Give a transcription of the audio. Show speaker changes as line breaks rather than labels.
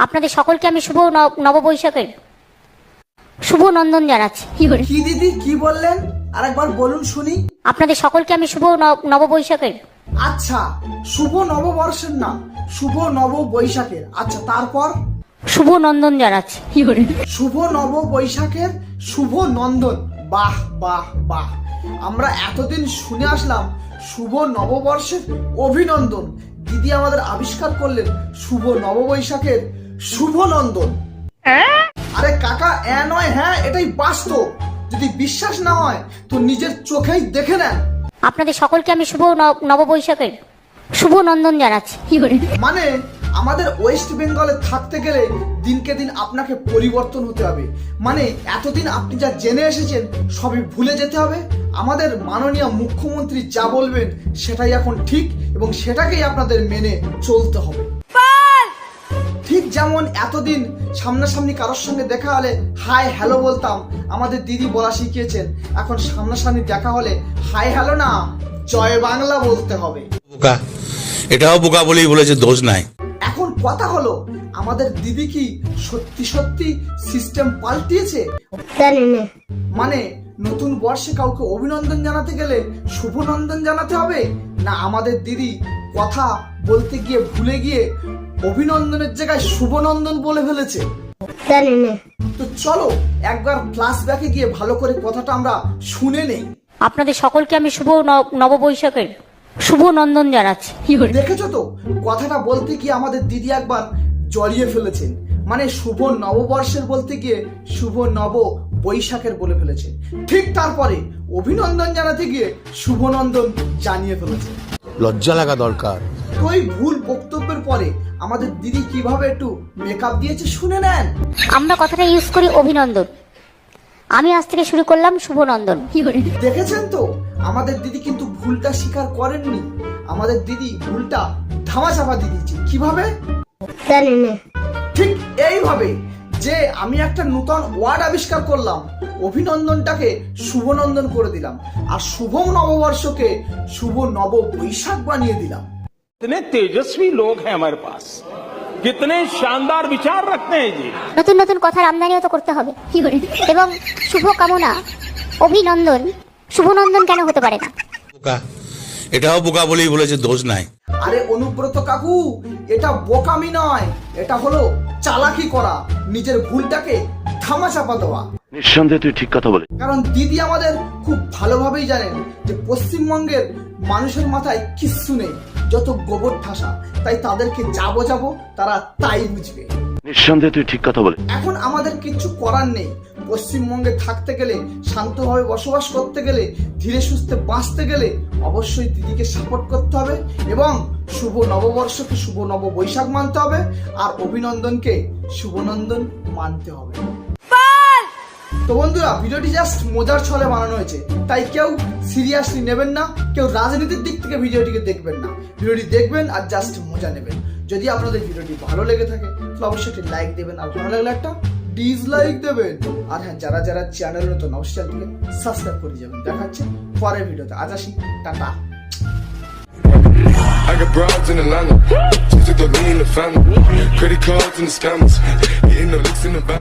আপনাদের সকলকে আমি শুভ নববৈশাখের শুভ নন্দন জানাচ্ছি।
কি দিদি কি বললেন আরেকবার বলুন শুনি।
আপনাদের সকলকে আমি শুভ নববৈশাখের
আচ্ছা, শুভ নববর্ষের না, শুভ নববৈশাখের। আচ্ছা, তারপর
শুভ নন্দন জানাচ্ছি।
শুভ নববৈশাখের শুভ নন্দন। বাহ বাহ বাহ, আমরা এতদিন শুনে আসলাম শুভ নববর্ষের অভিনন্দন, দিদি আমাদের আবিষ্কার করলেন শুভ নববৈশাখের শুভ নন্দন। আরে কাকা, নয় হ্যাঁ, এটাই বাস্তব। যদি বিশ্বাস না হয় তো নিজের চোখেই দেখে নেন।
আপনাদের সকলকে আমি শুভ নববৈশাখের শুভ নন্দন জানাচ্ছি।
মানে আমাদের ওয়েস্ট বেঙ্গলে থাকতে গেলে দিনকে দিন আপনাকে পরিবর্তন হতে হবে। মানে এতদিন আপনি যা জেনে এসেছেন সবই ভুলে যেতে হবে। আমাদের মাননীয় মুখ্যমন্ত্রী যা বলবেন সেটাই এখন ঠিক, এবং সেটাকেই আপনাদের মেনে চলতে হবে। ঠিক যেমন এতদিন সামনাসামনি কারোর সঙ্গে দেখা হলে হাই হ্যালো বলতাম, আমাদের দিদি বলা শিখিয়েছেন এখন সামনাসামনি দেখা হলে হাই হ্যালো না, জয় বাংলা বলতে হবে।
বোকা, এটাও বোকা বলেই বলেছে, দোষ নাই।
এখন কথা হলো, আমাদের দিদি কি সত্যি সত্যি সিস্টেম পাল্টিয়েছে? মানে নতুন বর্ষে কাউকে অভিনন্দন জানাতে গেলে শুভ নন্দন জানাতে হবে, না আমাদের দিদি কথা বলতে গিয়ে ভুলে গিয়ে অভিনন্দনের জায়গায় শুভনন্দন বলে ফেলেছে? তো চলো একবার ফ্ল্যাশব্যাকে গিয়ে ভালো করে কথাটা আমরা শুনে নেই।
আপনাদের সকলকে আমি শুভ নববৈশাখের শুভ নন্দন জানাচ্ছি।
দেখেছো তো, কথাটা বলতে গিয়ে আমাদের দিদি একবার জড়িয়ে ফেলেছেন। মানে শুভ নববর্ষের বলতে গিয়ে শুভ নব বৈশাখের বলে ফেলেছেন। ঠিক তারপরে অভিনন্দন জানাতে গিয়ে শুভনন্দন জানিয়ে ফেলেছে।
লজ্জা লাগা দরকার।
তো এই ভুল বক্তব্যের পরে আমাদের দিদি কিভাবে একটু মেকআপ দিয়েছে শুনে নেন।
আমরা কথাটা ইউজ করি অভিনন্দন, আমি আজ থেকে শুরু করলাম শুভ নন্দন।
দেখেছেন তো, আমাদের দিদি কিন্তু ভুলটা স্বীকার করেননি। আমাদের দিদি ভুলটা ধামাচাপা দিয়ে দিয়েছে। কিভাবে? ঠিক এইভাবে যে আমি একটা নতুন ওয়ার্ড আবিষ্কার করলাম, অভিনন্দনটাকে শুভনন্দন করে দিলাম, আর শুভ নববর্ষকে শুভ নব বৈশাখ বানিয়ে দিলাম।
कितने तेजस्वी लोग हैं हमारे पास, कितने शानदार विचार रखते हैं जी।
নতুন নতুন কথার আমদানিও তো করতে হবে, এবং শুভ কামনা অভিনন্দন শুভনন্দন কেন হতে পারে না?
বোকা, এটাও বোকা বলেই বলেছে, দোষ নাই।
আরে অনুব্রত কাকু, এটা বোকামি নয়, এটা হলো চালাকি করা, নিজের ভুলটাকে ধামাচাপা দেওয়া।
নিঃসন্দেহে তুই ঠিক কথা বলে।
কারণ দিদি আমাদের খুব ভালোভাবেই জানেন যে পশ্চিমবঙ্গের মানুষের মাথায় কিচ্ছু নেই, যত গোবর ঠাসা, তাই তাদেরকে যা বোঝাবো তারা তাই বুঝবে।
নিঃসন্দেহে তুই ঠিক কথা বলে।
এখন আমাদের কিচ্ছু করার নেই। পশ্চিমবঙ্গে থাকতে গেলে, শান্তভাবে বসবাস করতে গেলে, ধীরে সুস্থে বাঁচতে গেলে অবশ্যই দিদিকে সাপোর্ট করতে হবে, এবং শুভ নববর্ষকে শুভ নব বৈশাখ মানতে হবে, আর অভিনন্দনকে শুভনন্দন মানতে হবে। তো বন্ধুরা, ভিডিওটি জাস্ট মজার ছলে বানানো হয়েছে, তাই কেউ সিরিয়াসলি নেবেন না, কেউ রাজনীতির দিক থেকে ভিডিওটিকে দেখবেন না। ভিডিওটি দেখবেন আর জাস্ট মজা নেবেন। যদি আপনাদের ভিডিওটি ভালো লেগে থাকে তাহলে অবশ্যই একটি লাইক দেবেন, আর ভালো লাগলে একটা ডিসলাইক দেবেন। আর হ্যাঁ, যারা যারা চ্যানেল নতুন অবশ্যই চ্যানেলটিকে সাবস্ক্রাইব করে যাবেন। দেখা হচ্ছে পরের ভিডিওতে। আজ আসি, tata.
I got broads in Atlanta, just to throw me in the family. Credit cards and the scammers, hitting the licks in the back.